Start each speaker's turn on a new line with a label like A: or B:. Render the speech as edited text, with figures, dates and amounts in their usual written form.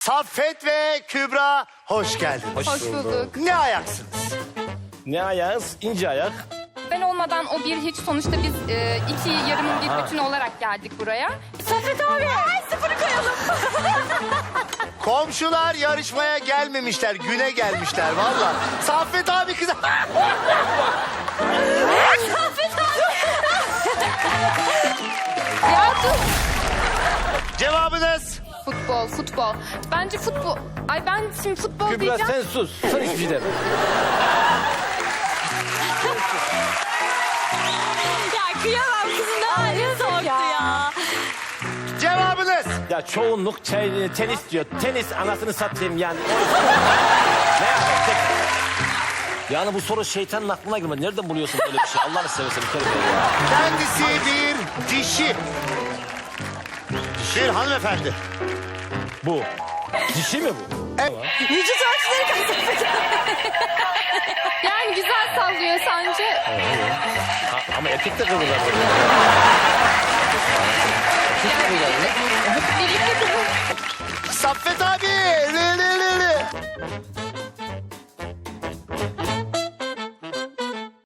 A: Saffet ve Kübra hoş geldiniz.
B: Hoş bulduk.
A: Ne ayaksınız?
C: Ne ayağız? İnce ayak.
B: Ben olmadan o bir hiç. Sonuçta biz iki yarımın bir bütünü olarak geldik buraya. Saffet abi. Sıfırı koyalım.
A: Komşular yarışmaya gelmemişler, güne gelmişler valla. Saffet abi kıza...
B: Saffet abi. Ya dur.
A: Cevabınız?
B: Futbol. Bence futbol. Ay ben şimdi futbol
C: Kübra
B: diyeceğim.
C: sen sus. Sen hiçbir şey deme.
D: Ya kıyamam kızım ne haline soktu ya.
A: Cevabınız?
C: Ya çoğunluk tenis diyor. Tenis anasını satayım yani. Ne yapacak? Yani bu soru şeytanın aklına girmedi. Nereden buluyorsun böyle bir şey? Allah'ını seversen bir kere ya.
A: Kendisi bir dişi. Bir hanımefendi.
C: Bu. Dişi mi bu?
D: Vücut ölçüleri kaç?
B: Yani güzel sallıyor sence.
C: Ama erkek de kıvırlar.
B: Birlikte kızım.
A: Saffet